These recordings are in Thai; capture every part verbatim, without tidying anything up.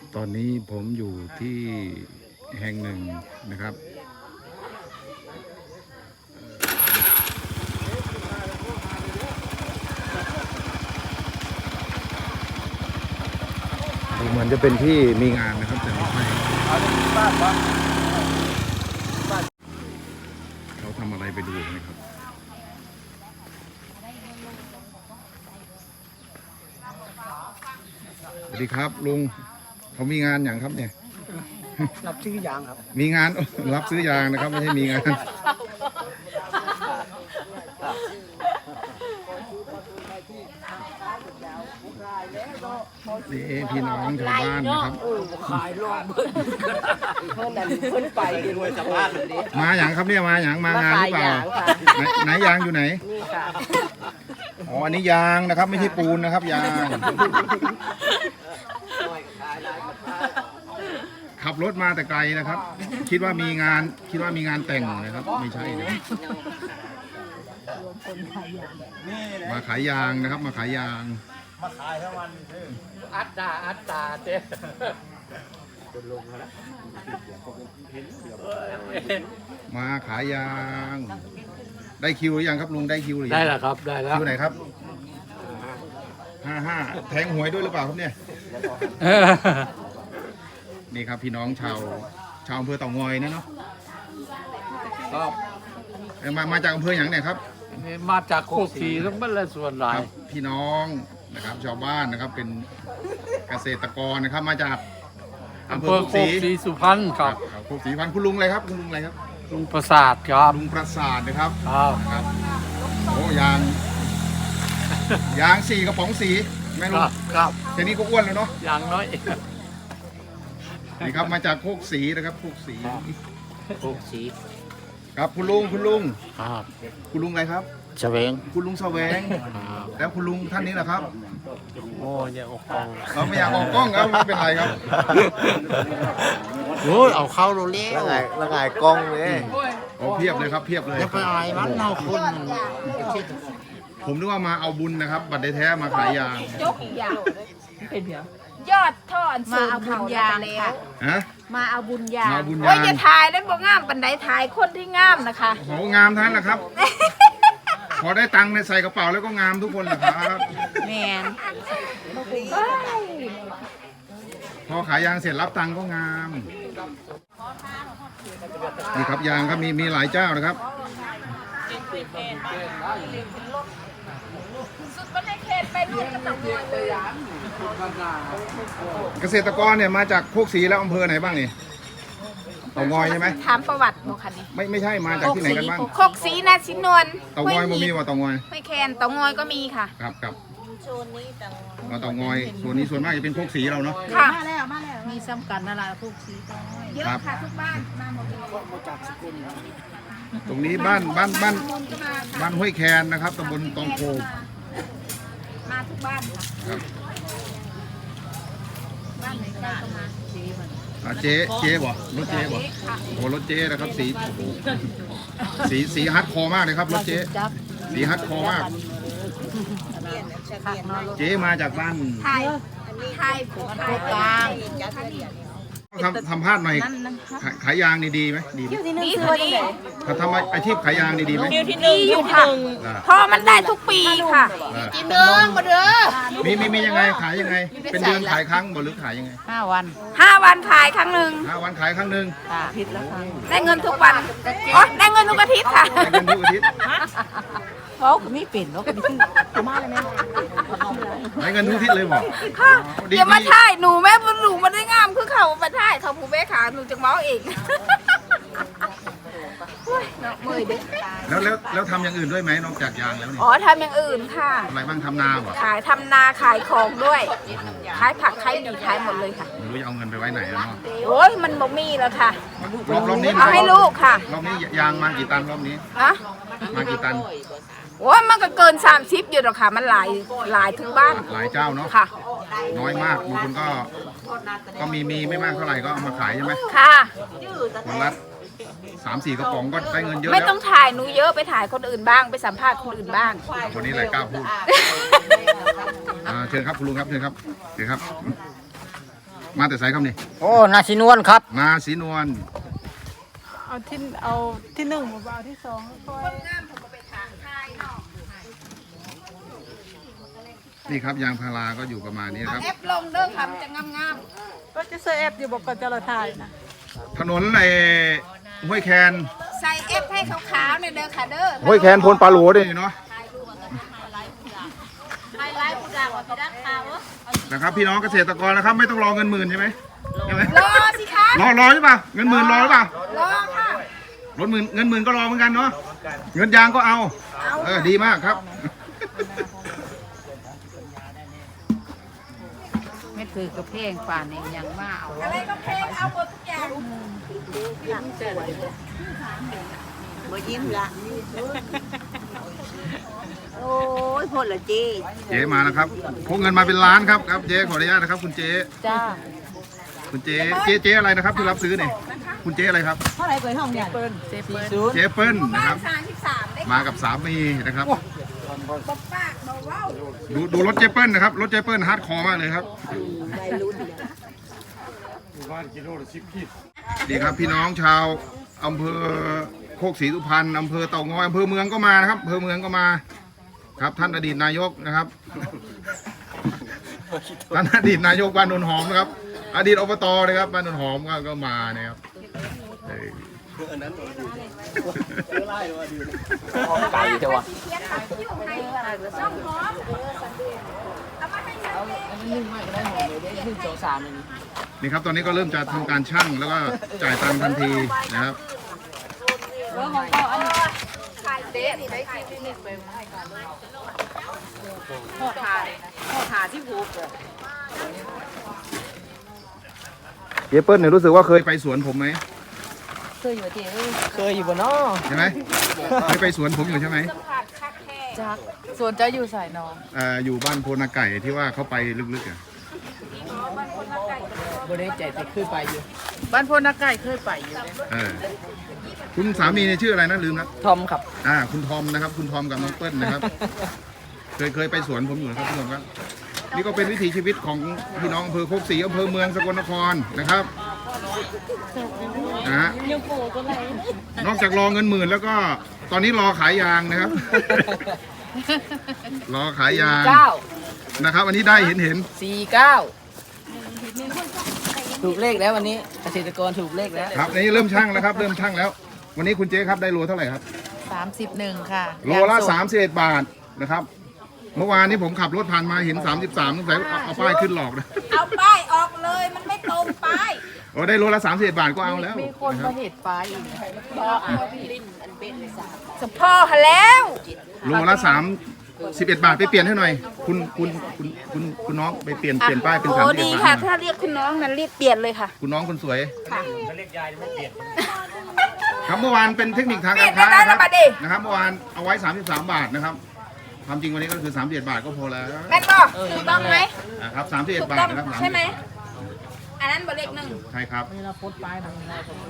ตอนนี้ผมอยู่ที่แห่งหนึ่งนะครับดูเหมือนจะเป็นที่มีงานนะครับแต่ไม่ใช่เขาทำอะไรไปดูนะครับสวัสดีครับลุงเขามีงานอย่างครับเนี่ยรับซื้อยางครับมีงานรับซื้อยางนะครับไม่ใช่มีงานนี่พี่น้องชาวบ้านนะครับขายรอบเพิ่นเพิ่นนั่นเพิ่นไปด้วยสภาพแบบนี้มาอย่างครับเนี่ยมาอย่างมางานหรือเปล่าไหนไหนยางอยู่ไหนนี่ค่ะอ๋ออันนี้ยางนะครับไม่ใช่ปูนนะครับยางขับรถมาแต่ไกลนะครับ คิดว่ามีงานคิดว่ามีงานแต่งนะครับไม่ใช่นะมาขายยางนะครับมาขายยางมาขายทั้งวันอัตตาอัตตาเจ๊มาขายยางได้คิวหรือยังครับลุงได้คิวหรือยังได้แล้วครับได้แล้วคิวไหนครับห้าห้าแทงหวยด้วยหรือเปล่าครับเนี่ยนี่ครับพี่น้องชาวชาวอำเภอเต่างอยนะเนาะครับมามาจากอำเภออย่างไหนครับมาจากโคกศรีทั้งบ้านและส่วนหลายพี่น้องนะครับชาวบ้านนะครับเป็นเกษตรกรนะครับมาจากอำเภอโคกศรีสุพรรณครับโคกศรีสุพรรณคุณลุงอะไรครับคุณลุงอะไรครับลุงประสาทครับลุงประสาทนะครับครับโอ้ยางยางสี่กระป๋องสีแม่ลุงครับแค่นี้ก็อ้วนแล้วเนาะยางน้อยนี่ครับมาจากโคกศรีนะครับโคกศรีโคกศรีครับคุณลุงคุณลุงครับคุณลุงอะไรครับแสวงคุณลุงแสวงแล้วคุณลุงท่านนี้แหละครับโอ้ยออกกล้องเราไม่อยากออกกล้องครับไม่เป็นไรครับโอ้ยเอาเข้าโรเล่แล้วไงแล้วไงกล้องเลยโอ้เพียบเลยครับเพียบเลยจะไปอะไรมันเราคนผมนึกว่ามาเอาบุญนะครับบัตรได้แท้มาขายยางยกยางเป็นเดียวยอดท่อนมาเอาบุญยางค่ะฮะมาเอาบุญยางโอ้ยจะถ่ายได้บ่งามปันไดถ่ายคนที่งามนะคะโอ้งามทั้งนั้นแหละครับพอได้ตังค์ในใส่กระเป๋าแล้วก็งามทุกคนแหละครับแมนพอขายยางเสร็จรับตังค์ก็งามนี่ครับยางครับมีมีหลายเจ้านะครับเกษตรกรเนี่ยมาจากโคกศรีแล้วอำเภอไหนบ้างนี่เต่างอยใช่ไหมถามประวัติโมคันนี้ไม่ไม่ใช่มาจากที่ไหนกันบ้างโคกศรีนาชินวลเต่างอยมันมีว่าเต่างอยไม่แคนเต่างอยก็มีค่ะครับครับโซนนี้เต่างอยส่วนนี้ส่วนมากจะเป็นโคกศรีเราเนาะค่ะมาแล้วมาแล้วมีซ้ำกันอะไรโคกศรีเยอะค่ะทุกบ้านมาหมดเลยตรงนี้บ้านบ้านบ้านบ้านห้วยแคนนะครับตำบลตองโพมาทุกบ้านค่ะบ้านไหนก็มาเจ๊เจ๊บ่รถเจ๊บ่โอ้รถเจ๊นะครับสีสีสีฮัดคอมากเลยครับรถเจ๊สีฮัดคอมากเจ๊มาจากบ้านไทยไทยโคกลางทำทำพลาดหน่อยขายยางนี่ดีไหมดีดีตัวดีถ้าทำอาชีพขายยางนี่ดีไหมดีอยู่ค่ะเพราะมันได้ทุกปีค่ะกินเนื้อมาเด้อมีมีมียังไงขายยังไงเป็นเดือนขายครั้งบ่หรือขายยังไงห้าวันห้าวันขายครั้งหนึ่งห้าวันขายครั้งหนึ่งผิดแล้วค่ะได้เงินทุกวันอ๋อได้เงินทุกอาทิตย์ค่ะได้เงินทุกอาทิตย์เขาไม่เปลี่ยนเขาไม่ขึ้นมาเลยแม่ได้เงินทุกอาทิตย์เลยบ่ค่ะเดี๋ยวมาถ่ายหนูแม่บุญหนูมันได้งามคือเขามาถ่ายเขาผู้แม่ขาหนูจะเมาเองแล้วแล้วแล้วทำอย่างอื่นด้วยไหมนอกจากยางแล้วเนี่ยอ๋อทำอย่างอื่นค่ะอะไรบ้างทำนาบ่ขายทำนาขายของด้วยขายผักขายดีขายหมดเลยค่ะไม่รู้จะเอาเงินไปไว้ไหนแล้วเนาะโอ้ยมันบ่มีแล้วค่ะรอบรอบนี้เอาให้ลูกค่ะรอบนี้ยางมากี่ตันรอบนี้อะมากี่ตันโอ้ยมันก็เกินสามสิบอยู่หรอกค่ะมันหลายหลายทุกบ้านหลายเจ้าเนาะค่ะน้อยมากบางคนก็ก็มีมีไม่มากเท่าไหร่ก็เอามาขายใช่ไหมค่ะวันละสามสี่กระป๋องก็ได้เงินเยอะไม่ต้องถ่ายหนูเยอะไปถ่ายคนอื่นบ้างไปสัมภาษณ์คนอื่นบ้างคนนี้อะไรกล้าพูดเชิญครับคุณลุงครับเชิญครับเชิญครับมาแต่ไสครับนี่โอ้นาชินวนครับนาสีนวลเอาที่เอาที่หนึ่งมาเอาที่สองค่อยคนงามผมก็ไปถางทายเนาะนี่ครับยางพาราก็อยู่ประมาณนี้นะเอาครับเอฟลงเด้อค่ะมันจะงามก็จะเซอร์เอฟอยู่บอกก่อนจะละทายนะถนนในห้วยแคนๆใส่เอฟให้ขาวๆเนี่ยเด้อค่ะเด้อห้วยแคนพลปลาโหลด้วยเนาะไฮไลท์ผู้ด่างว่าพี่ดักขาวนะครับพี่น้องเกษตรกรนะครับ ไม่ต้องรอเงินหมื่นใช่ไหมใช่ไหมรอสิคะรอรอใช่ป่ะเงินหมื่นรอหรือเปล่ารอค่ะรถหมื่นเงินหมื่นก็รอเหมือนกันเนาะเงินยางก็เอาเออดีมากครับไม่ถือกระเพงป่านเองยังว่าเอาอะไรก็เพลงเอาหมดทุกอย่างมายิ้มละโอ้ยพอละจีเจ๊มาแล้วครับพกเงินมาเป็นล้านครับครับเจ๊ขออนุญาตนะครับคุณเจ๊จ้าคุณเจ๊เจ๊เจ๊อะไรนะครับที่รับซื้อเนี่ยคุณเจ๊อะไรครับเท่าไหร่เปิดห้องเนี่ยเปิ้ลเจเปิ้ลเจ๊เปิ้ลบ้านะครันบสามสิบสามได้มากับสามีนะครับบอกปากบอกว้าวดูดูรถเจ๊เปิ้ลนะครับรถเจ๊เปิ้ลฮาร์ดคอร์มากเลยครับดีครับพี่น้องชาวอำเภอโคกศรีสุพรรณอำเภอเต่างอยอำเภอเมืองก็มานะครับอำเภอเมืองก็มา ครับท่านอดีตนายกนะครับ ท่านอดีตนายกบ้านนนหอมนะครับ อดีตอบตนะครับบ้านนนหอมก็ก็มานะครับเออไก่เถอะวะเขียนตัดคิ้วให้ช่องหอมเอามาให้ฉันเลยนึ่งไม่ก็ได้หอมเลยได้นึ่งโจสามเลยนี่ครับตอนนี้ก็เริ่มจะทำการชั่งแล้วก็จ่ายตังค์ทันทีนะครับขายเด็ดนี่ได้กินนี่ไปพ่อทาพ่อทาที่ผูกเจ๊เปิ้ลเนี่ยรู้สึกว่าเคยไปสวนผมไหมเคยอยู่ที่เอ้ยเคยอยู่บนน้อใช่ไหมเคยไปสวนผมอยู่ใช่ไหมผัดคักแค่จักส่วนจะอยู่สายน้องเอ่ออยู่บ้านโพนาไก่ที่ว่าเขาไปลึกๆอ่ะบริใจแต่ขึ้นไปอยู่บ้านพนักไก่เคยไปอยู่เออคุณสามีเนี่ยชื่ออะไรนะลืมแล้วทอมครับอ่าคุณทอมนะครับ คุณทอมกับน้องเปิ้ลนะครับ เคยเคยไปสวนผมอยู่นะครับพี่น้องครับนี่ก็เป็นวิถีชีวิตของพี่น้องอำเภอโคกศรีอำเภอเมืองสกลนครนะครับนะฮะนอกจากรอเงินหมื่นแล้วก็ตอนนี้รอขายยางนะครับ รอขายยางเก้านะครับ อันนี้ได้เห็นเห็นสี่เก้าถูกเลขแล้ววันนี้เกษตรกรถูกเลขแล้วครับอันนี้เริ่มช่างแล้วครับ เริ่มช่างแล้ว วันนี้คุณเจ๊ครับได้โลเท่าไหร่ครับสามสิบหนึ่งค่ะโลละสามสิบเอ็ดบาทนะครับ เมื่อวานนี้ผมขับรถผ่านมาเห็นสามสิบสามสงสัยเอาเอาป้ายขึ้นหลอกนะเอาป้ายออกเลยมันไม่ตรงป้ายโอ้ได้โลละสามสิบเอ็ดบาทก็เอาแล้วมีคนนะคมารับเหตุปลาอีกสะพ่อหาแล้วโลละสามสิบเอ็ดบาทไปเปลี่ยนให้หน่อย คุณคุณคุณคุณคุณน้องไปเปลี่ยนเปลี่ยนป้ายเป็นโอ้สามสิบเอ็ดีดบาค่ะทถ้าเรียกคุณน้องนั้นรีบเปลี่ยนเลยค่ะคุณน้องคนสวยค่ะครับเมื่อวานเป็นเทคนิคทางการเปลี่ค้ายนได้นะครับแล้วบัดดินะครับเมื่อวานเอาไว้สามสิบสามบาทนะครับความจริงวันนี้ก็คือสามสิบเอ็ดบาทก็พอแล้วแม่นบอกถูกต้องไหมนะครับสามสิบเอ็ดถูกบาต้ทองนะครับใช่ไหมอันนั้นบเลขหนึ่งใช่ครับเวลาโพสต์ปลายมัน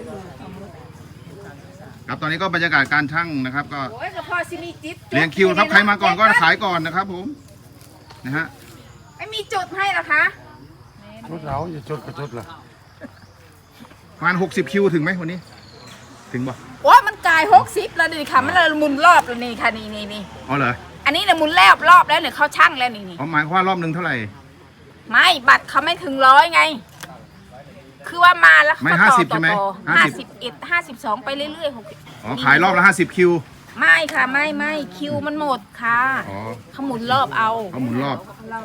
ครับตอนนี้ก็บรรยากาศการชั่งนะครับ ก็โอ้ยสะพ่อซิมีจิ๊บเรียงคิวครับใครมาก่อนก็ขายก่อนนะครับผมนะฮะไม่มีจุดให้เหรอคะชุดเราอย่าชุดกับชุดละประมาณหกสิบคิวถึงไหมวันนี้ ถึงบ่โอ้ยมันกลายหกสิบแล้วนี่ค่ะมันเลยหมุนรอบแล้วนี่ค่ะนี่นี่นี่อ๋อเหรออันนี้เนี่ยหมุนรอบรอบแล้วเนี่ยเขาช่างแล้วนี่นี่อ๋อหมายความว่ารอบหนึ่งเท่าไหร่ไม่บัตรเขาไม่ถึงร้อยไง คือว่ามาแล้วไม่ก็ห้าต่อสิบใช่ไหมต่อห้าห้าสิสิบบเอ็ดห้าสิบสองไปเรื่อยๆหกสิบอ๋อขายรอบละห้าสิบคิวไม่ค่ะไม่ไม่คิวมันหมดค่ะอ๋อเขาหมุนรอบเอาเขาหมุนรอบ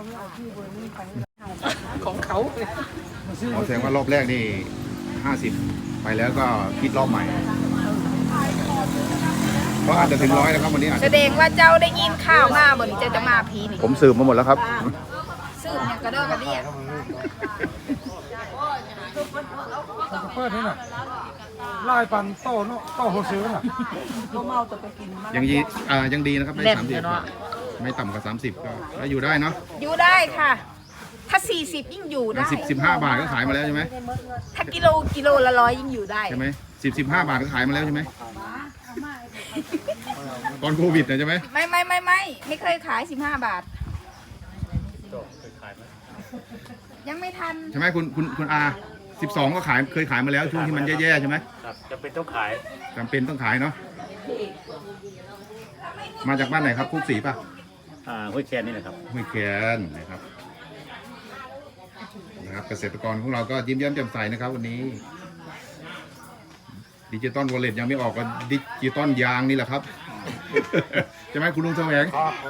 ของเขาอ๋อแสดงว่ารอบแรกนี่ห้าสิบไปแล้วก็คิดรอบใหม่เพราะอาจจะถึงร้อยแล้วครับวันนี้อาจแสจะดงว่าเจ้าได้ยินข่าวมาบนเจ้าจะมาพีนี่ผมสืบมาหมดแล้วครับซื้อเนี่ยกระเด้อกระเดี่ยเปิดนี่น่ะไล่ปันโต้เนาะโต้โฮซื้อน่ะยังยีอ่ายังดีนะครับได้สามสิบไม่ต่ำกว่าสามสิบก็ก็อยู่ได้เนาะอยู่ได้ค่ะ ถ้าสี่สิบยิ่งอยู่ได้สิบสิบห้าบาทก็ขายมาแล้วใช่ไหมถ้ากิโลกิโลละร้อยยิ่งอยู่ได้ใช่ไหมสิบสิบห้าบาทก็ขายมาแล้วใช่ไหมตอนโควิดนะใช่ไหมไม่ไม่ไม่ไม่ไม่เคยขายสิบห้าบาทยังไม่ทันใช่ไหมคุณคุณคุณอาสิบสองก็ขายเคยขายมาแล้วช่วงที่มันแย่ๆใช่ไหมครับจะเป็นต้องขายจำเป็นต้องขายเนาะมาจากบ้านไหนครับคุกศรีป่ะอ่าห้วยแคนนี่แหละครับห้วยแคนนะครับนะครับเกษตรกรของเราก็ยิ้มแย้มแจ่มใสนะครับวันนี้ดิจิตอลวอลเล็ตยังไม่ออกก็ดิจิตอลยางนี่แหละครับ ใช่ไหมคุณลุงแสวง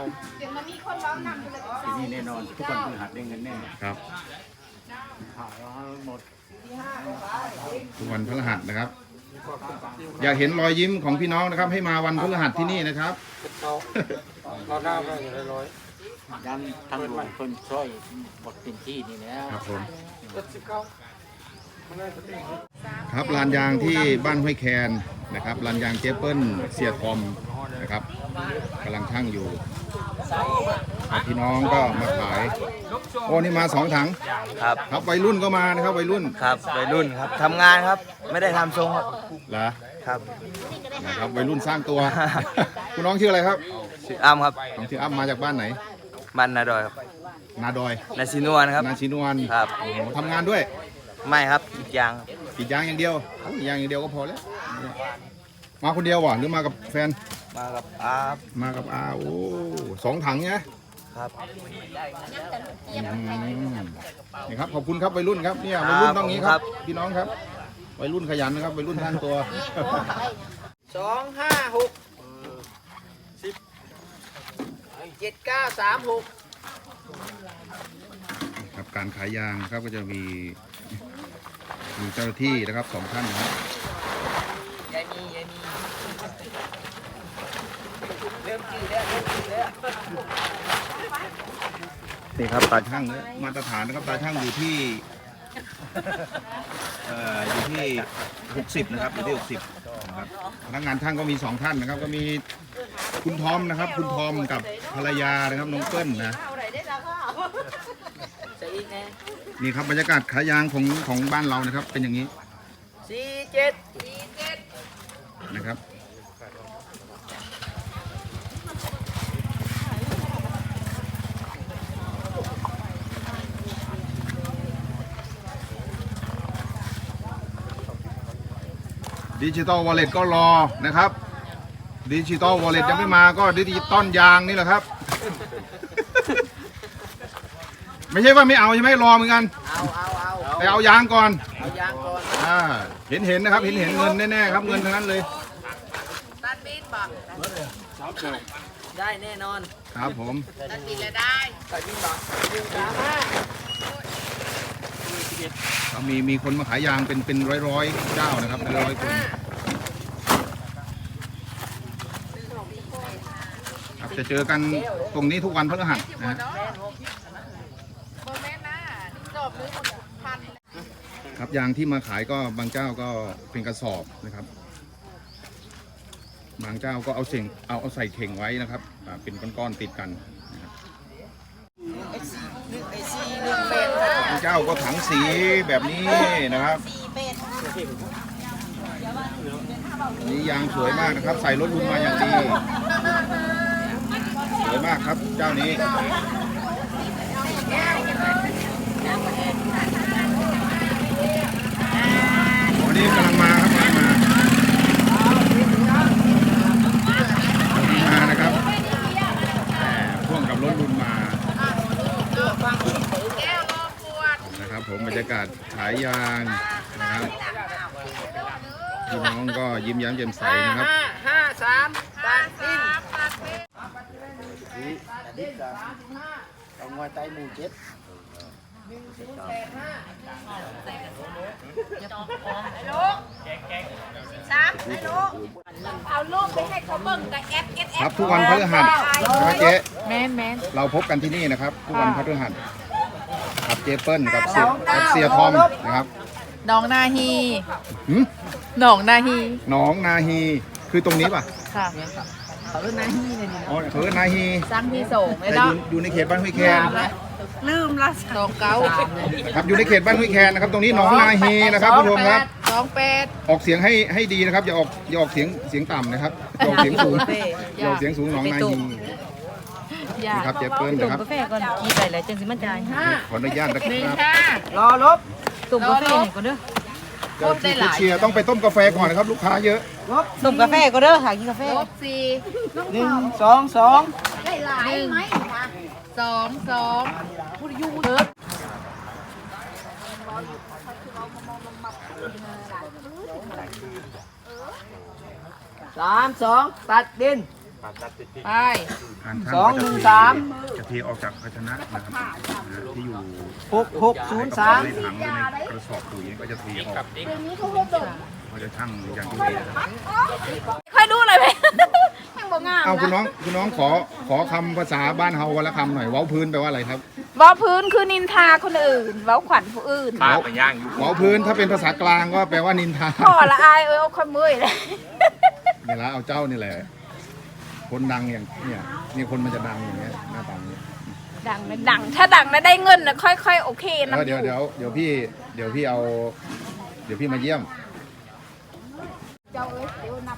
ที่นี่แน่นอน ทุกวันพฤหัสได้เงินแน่ครับขายหมดทุกวันพฤหัสนะครับ อยากเห็นรอยยิ้มของพี่น้องนะครับ ให้มาวันพฤหัสที่นี่นะครับเราหน้าไปอยู่ร้อยยันทางหลวงคนช่วยหมดเป็นที่นี่แล้วครับผมครับลานยางที่บ้านห้วยแคนนะครับลานยางเจเปิลเสียทอมนะครับกำลังช่างอยู่พี่น้องก็มาขายโอ้นี่มาสองถังครับครับวัยรุ่นก็มานะครับวัยรุ่นครับวัยรุ่นครับทำงานครับไม่ได้ทำทรงครับเหรอครับนะครับวัยรุ่นสร้างตัว คุณน้องชื่ออะไรครับชื่ออ้ำครับน้องชื่ออ้ำมาจากบ้านไหนบ้านนาดอยครับนาดอยนาซินวนครับนาชินวนครับโอ้โหทำงานด้วยไม่ครับอีกอย่างครับกรีดยางอย่างเดียวกรีดยางอย่างเดียวก็พอแล้วมาคนเดียววะหรือมากับแฟนมากับอาบมากับอาโอ้สองถังเนี่ยครับอืมนี่ครับขอบคุณครับวัยรุ่นครับเนี่ยวัยรุ่นต้องงี้ครับพี่น้องครับวัยรุ่นขยันนะครับวัยรุ่นสร้างตัวสองห้าหกสิบเจ็ดเก้าสามหกครับการขายยางครับก็จะมีมีเจ้าหน้าที่นะครับสองท่านนะครับยายมียายมีเริ่มจืดแล้วเริ่มจืดแล้วนี่ครับตาช่างเนี่ยมาตรฐานนะครับตาช่างอยู่ที่เอ่ออยู่ที่หกสิบนะครับอยู่ที่หกสิบนะครับพนักงานช่างก็มีสองท่านนะครับ ก็มีคุณทอมนะครับ คุณทอมกับภรรยานะครับน้องเปิ้ลนะใส่อีกไงนี่ครับบรรยากาศขายยางของของบ้านเรานะครับ เป็นอย่างนี้สี่เจ็ดนะครับดิจิตอลวอลเล็ตก็รอนะครับดิจิตอลวอลเล็ตยังไม่มาก็ดิจิตอลยางนี่แหละครับ ไม่ใช่ว่าไม่เอาใช่ไหมรอเหมือนกันเอาเอาเอาไปเอายางก่อนเอายางก่อนอ่าเห็นเห็นนะครับเห็นเห็นเงินแน่ๆครับเงินทั้งนั้นเลยตัดบินบอกได้แน่นอนครับผมตัดบินแล้วได้ใส่บินบอกหนึ่งสามห้าก็มีมีคนมาขายยางเป็นเป็นร้อยร้อยๆเจ้านะครับเป็นร้อยคนครับจะเจอกันตรงนี้ทุกวันพฤหัสนะฮะโมเมนต์นะจบหรือพันครับยางที่มาขายก็บางเจ้าก็เป็นกระสอบนะครับ บางเจ้าก็เอาเข่งเอาเอาใส่เข่งไว้นะครับอ่าเป็นก้อนๆติดกันนะครับบางเจ้าก็ถังสีแบบนี้นะครับนี่ยางสวยมากนะครับ ใส่รถลุนมาอย่างดีสวยมากครับเจ้านี้วันนี้กำลังมาครับกำลังมามานะครับพ่วงกับรถลุนมานะครับผมบรรยากาศขายยางนะครับพี่น้องก็ยิ้มแย้มแจ่มใสนะครับห้าห้าสามตัดบินเอางอยไตหมูเจ็ดสามไอ้ลูกเอาลูกไปให้เขาเบิ่งกับแอปเอสเอครัฟบทุกวันพฤหัสใช่ไหมเจ๊แมนแมนเราพบกันที่นี่นะครับ ทุกวันพฤหัสครับเจเปิ้ลกับเสียกับเสียทอมนะครับน้องนาฮีหืมน้องนาฮีหนองนาฮีคือตรงนี้ป่ะค่ะเขาเรียกนาฮีเลยนี่อ๋อเออนาฮีสร้างที่ส่งเลยแต่อเนาะยู่อยู่ในเขตบ้านห้วยแคนลืมละสองเก้าครับอยู่ในเขตบ้านห้วยแคนนะครับ ตรงนี้หนองนาฮีนะครับผู้ชมครับสองแปดออกเสียงให้ให้ดีนะครับ อย่าออกอย่าออกเสียงเสียงต่ำนะครับอย่าออกเสียงสูงอย่าออกเสียงสูงหนองนาฮีนี่ครับเจเปิ้ลนะครับกาแฟก่อนกี่ไปแล้วจังสิมันจ่ายห้าขออนุญาตนะครับรอลบตุ่มกาแฟให้ก่อนเด้อเจ้าที่ผู้เชียร์ต้องไปต้มกาแฟก่อนนะครับ ลูกค้าเยอะตุ่มกาแฟก่อนเด้อหากินกาแฟหนึ่งสองสองสองสองสามสองตัดดินไปสองหนึ่งสามจะเทออกจากภาชนะนะครับที่อยู่หกหกศูนย์สามในถังหรือในกระสอบปุ๋ยก็จะเทออกเขาจะชั่งอย่างที่เห็นนะครับค่อยดูเลยไหมแม่งบ่งามเอาคุณน้นะองคุณน้องขอขอคำภาษาบ้านเฮาวันละคำหน่อยเว้าพื้นแปลว่าอะไรครับเว้าพื้นคือนินทาคนอื่นเว้าขวัญผู้อื่นเว้าเว้าพื้นถ้าเป็นภาษากลางก็แปลว่านินทาพ่อละอายเอ้ยเอาคนมือเลยเนี่ยละเอาเจ้านี่แหละ คนดังอย่างเนี่ยนี่คนมันจะดังอย่างเงี้ยหน้าตาอย่างเงี้ยดังนะดัง ถ้าดังแล้วได้เงินนะค่อยๆโอเคนะเดี๋ยวเดี๋ยวเดี๋ยวพี่เดี๋ยวพี่เอา เดี๋ยวพี่มาเยี่ยมเจ้าเอ้ยเดี๋ยวนับ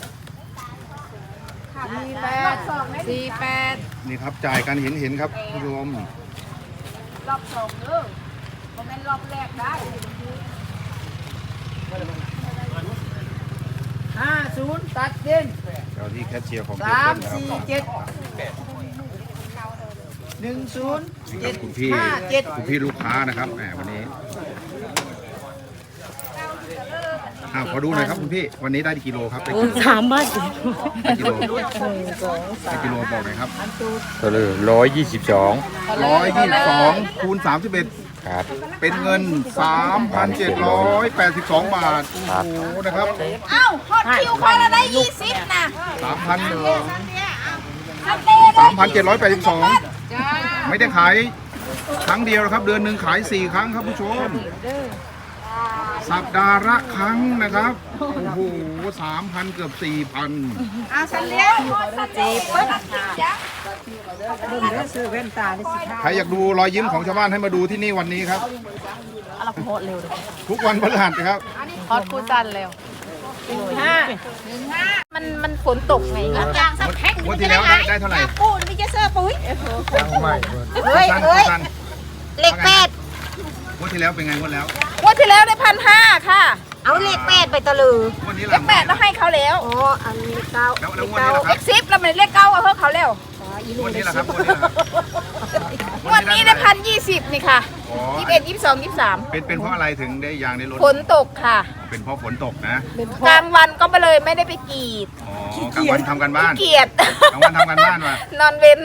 สี่แปดสี่แปดนี่ครับจ่ายกันเห็นเห็นครับผู้ชมรอบสองเด้อบ่แม่นรอบแรกได้ห้าศูนย์ตัดดินเจ้าที่แคชเชียร์ของเจสามเปิ้ลนะครับสี่เจ็ดหนึ่งศูนย์นี่ครับคุณพี่ห้าเจ็ดคุณพี่ลูกค้านะครับแหมวันนี้อ้าวขอดูหน่อยครับคุณพี่วันนี้ได้กี่กิโลครับได้กี่โลสามบาทได้กี่โลได้กี่โลบอกหน่อยครับก็เลยร้อยยี่สิบสองร้อยยี่สิบสองคูณสามสิบเอ็ดครับเป็นเงิน สามพันเจ็ดร้อยแปดสิบสอง บาท โอ้โห นะครับเอ้าฮอตคิวคนละได้ยี่สิบนะสามพันสเต้ได้สามพันเจ็ดร้อยแปดสิบสอง ไม่ได้ขายครั้งเดียวนะครับ เดือนหนึ่งขายสี่ครั้งครับผู้ชม สัปดาห์ละครั้งนะครับ โอ้โหสามพันเกือบสี่พันอาสันเลี้ยงสเต้เปิ้ลจ้ะใครอยากดูรอยยิ้มของชาวบ้านให้มาดูที่นี่วันนี้ครับเราโพสเร็วเลยทุกวันพฤหัสนะครับฮอตกูจันเร็วห้ามันมันฝนตกไงยางสักแพ็คงวดที่แล้วได้ได้เท่าไหร่ปูนมีเจเซอร์ปุ้ยใหม่เฮ้ยสั้นเฮ้ยสั้นเลขแปดงวดที่แล้วเป็นไงงวดแล้วงวดที่แล้วได้พันห้าค่ะ เอาเลขแปดไปตะลืองวดนี้เลล่ะขแปดต้องให้เขาแล้วอ๋ออันเลขเก้าแล้วแล้วงวดนี้ล่ะคเลรับขสิบแล้วมันเลขเก้าเอาเพิ่มเขาแล้วงวดนี้ล่ะครับงวดนี้ล่ะครับงวดนี้ได้พันยี่สิบนี่ค่ะอ๋อยี่สิบเอ็ดยี่สิบสองยี่สิบสามเป็นเป็นเพราะอะไรถึงได้ยางได้ลดฝนตกค่ะเป็นเพราะฝนตกนะกลางวันก็มาเลยไม่ได้ไปกรีดอ๋อกลางวันทำกันบ้านเกียดกลางวันทำกันบ้านว่ะนอนเว้น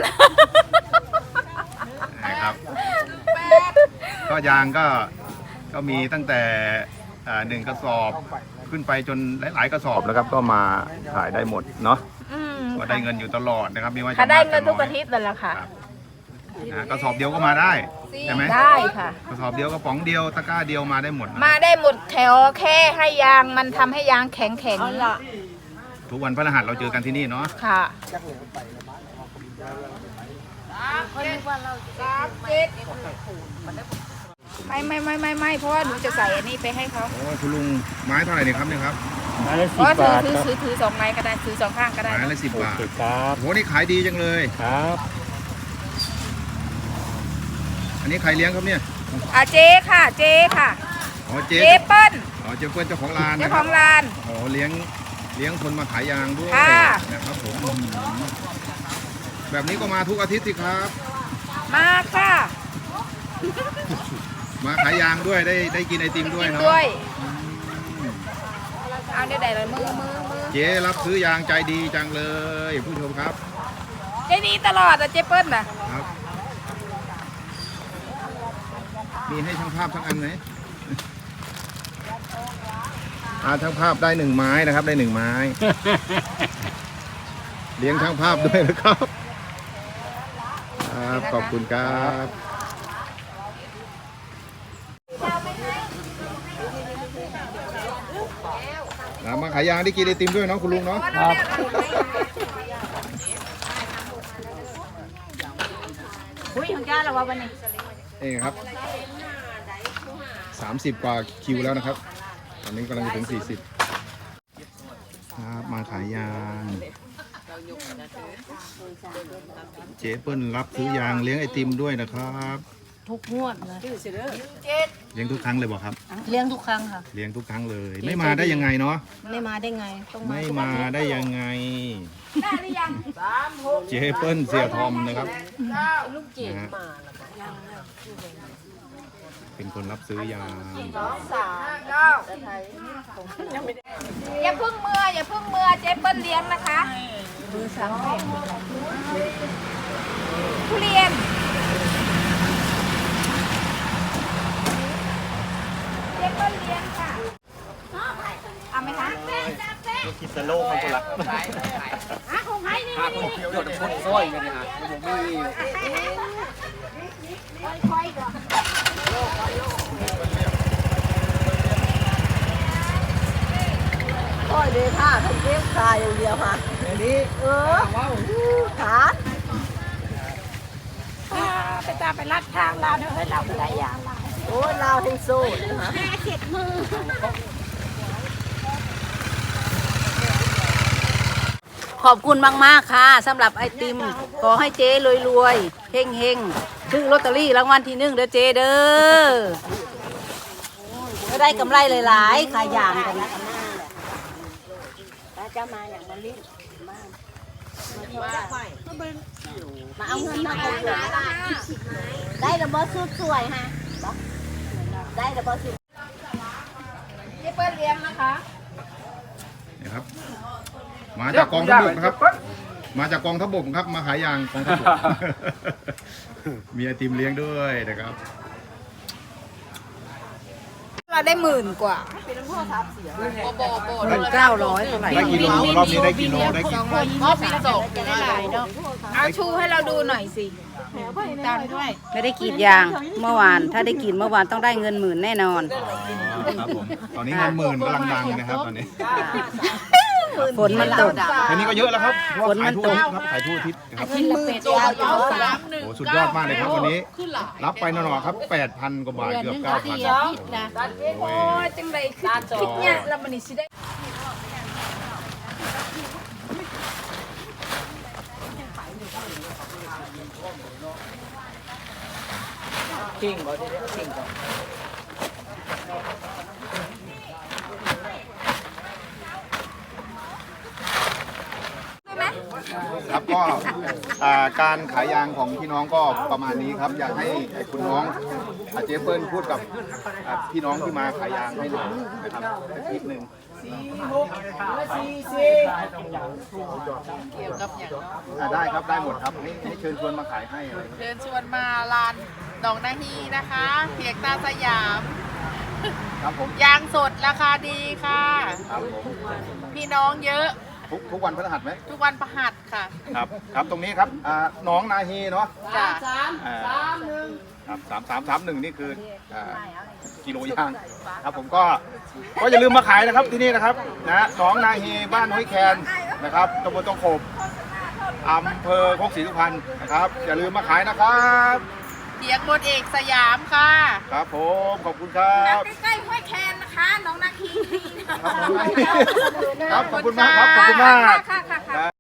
นะครับ ก็ยางก็ก็มีตั้งแต่อ่าหนึ่งกระสอบขึ้นไปจนหลาย ๆ กระสอบแล้วครับก็มาขายได้หมดเนาะอืมก็ได้เงินอยู่ตลอดนะครับไม่ว่าจะค่ะได้มากเงินทุกจะอาทิตย์นั่นแหละค่ะครับนะกระสอบเดียวก็มาได้ใช่ไหมได้ค่ะกระสอบเดียวกระป๋องเดียวตะกร้าเดียวมาได้หมดนะมาได้หมดแถวแค่ให้ยางมันทำให้ยางแข็งแข็งทุกวันพฤหัสเราเจอกันที่นี่เนาะค่ะไม่ไม่ไม่ไม่ไม่เพราะว่าหนูจะใส่อันนี้ไปให้เขาโอ้คุณลุงไม้เท่าไหร่เนี่ยครับเนี่ยครับไม้ละเพสิบราะว่าถือบาทถือครับถือถือสองไม้ก็ได้ถือสองข้างก็ได้ไม้ละสิบบาทโอเคครับโอ้โหนี่ขายดีจังเลยครับอันนี้ใครเลี้ยงครับเนี่ยอ่ะเจ๊ค่ะ เจ๊ค่ะอ๋อเจ๊เจ๊เปิ้ลอ๋อเจ๊เปิ้ลเจ้าของร้านเจ้านะขครัอบ งร้านอ๋อเลี้ยงเลี้ยงคนมาขายยางด้วยค่ะนะครับผมอื้อหือแบบนี้ก็มาทุกอาทิตย์สิครับมาค่ะมาขายยางด้วยได้ได้กินไอติมด้วยกินเนาะด้วยเอาได้ไหนเลยมือมือมือเจ๊รับซื้อยางใจดีจังเลยผู้ชมครับเจ๊ดีตลอดอ่ะเจ๊เปิ้ลน่ะครับ มีให้ช่างภาพทั้งอันไหม อาช่างภาพได้หนึ่งไม้นะครับได้หนึ่งไม้ เลี้ยงช่างภาพด้วยนะครับครับขอบคุณครับนะมาขายยางได้กินไอติมด้วยเนาะคุณลุงเนาะอุ้ยของจ้าเราว่าวันนี้เองครับสามสิบกว่าคิวแล้วนะครับ ตอนนี้กำลังจะถึงสี่สิบครับมาขายยางเจ๊เปิ้ลรับซื้อยางเลี้ยงไอติมด้วยนะครับทุกงวดเลยเลี้ยงทุกครั้งเลยบอกครับเลี้ยงทุกครั้งค่ะเลี้ยงทุกครั้งเลย ไม่มาได้ยังไงเนาะไม่มาได้ไงต้องมาไม่มาได้ยังไงได้หรือยังเจ๊เปิ้ลเสียทอมนะครับนะฮะเป็นคนรับซื้อยางอย่าเพึ่งเมื่ออย่าเพึ่งเมื่อเจ๊เปิ้ลเลี้ยงนะคะทุเรียนเจ๊เปิ้ลเลี้ยงค่ะเอาไหมคะคิดสโลกของคนละค่อยเลยค่ะทำเลี้ยงคายอย่างเดียวค่ะนี่เออขาไปตามไปลัดทางเราเดี๋ยวให้เราไปได้ยางเราโอ้ยเราเฮงโซ่นะคะขอบคุณมาก ๆ ค่ะสำหรับไอติม ขอให้เจ๊รวยๆเฮงเฮงๆซื้อลอตเตอรี่รางวัลที่หนึ่งเด้อเจ๊เด้อก็ได้กำไรหลายๆขายอย่างกันนะจะมาอย่างมาลิ้นมาเอาเงินมาเอาเงินได้ระเบิดสุดสวยฮะได้ระเบิดสุดเจ๊เปิ้ลเลี้ยงนะคะนะครับ มาจากกองทัพบกนะครับ มาจากกองทัพบกครับ มาขายยางกองทัพบก มีไอติมเลี้ยงด้วยนะครับเราได้หมื่นกว่าเก้าร้อยเท่าไหร่ได้กิโลรอบนี้ได้กิโลได้กิโลรอบนี้สองจะได้หลายเนาะเอาชูให้เราดูหน่อยสิไม่ได้กรีดยางเมื่อวาน ถ้าได้กรีดเมื่อวานต้องได้เงินหมื่นแน่นอนครับผมตอนนี้เงินหมื่นกำลังดังนะครับตอนนี้ฝนมันตกแค่นี้ก็เยอะแล้วครับเพราะฝนว่ามัขายนทั่วตอาทิกตย์ครับขายทั่วอาทิตย์นะครับชิ้นละเป็ดยาวอยู่สามโอ้สุดยอดมากเลยครับวันนี้ รับไปหน่อๆครับแปดพันกว่าบาทเกือบเก้าพันโอ้ยจังไรคือคิดเนี่ยเรามันนี่สิได้ครับก็อ่าการขายยางของพี่น้องก็ประมาณนี้ครับ อยากให้คุณน้องอาเจเปิ้ลพูดกับอ่าพี่น้องที่มาขายยางให้หน่อยนะครับสักนิดนึงเกี่ยวกับอย่างอ่าได้ครับได้หมดครับให้ให้เชิญชวนมาขายให้อะไรเชิญชวนมาลานดอกนาฮีนะคะเพียงตาสยามครับผมยางสดราคาดีค่ะครับผมพี่น้องเยอะทุกทุกวันพฤหัสไหมทุกวันประหัสค่ะครับครับตรงนี้ครับอ่าหน้องนาฮีเนาะจ้ะอ่าครับสามสามสามหนึ่งนี่คืออ่ากิโลยางครับผมก็ก็อย่าลืมมาขายนะครับที่นี่นะครับนะหน้องนาฮีบ้านห้วยแคนนะครับตำบลตองโขบอำเภอโคกศรีสุพรรณนะครับอย่าลืมมาขายนะครับเพียงบนเอกสยามค่ะครับผมขอบคุณครับใกล้ๆห้วยแคนนะคะน้องนาคีครับขอบคุณมากครับขอบคุณมากค่ะค่ะค่ะ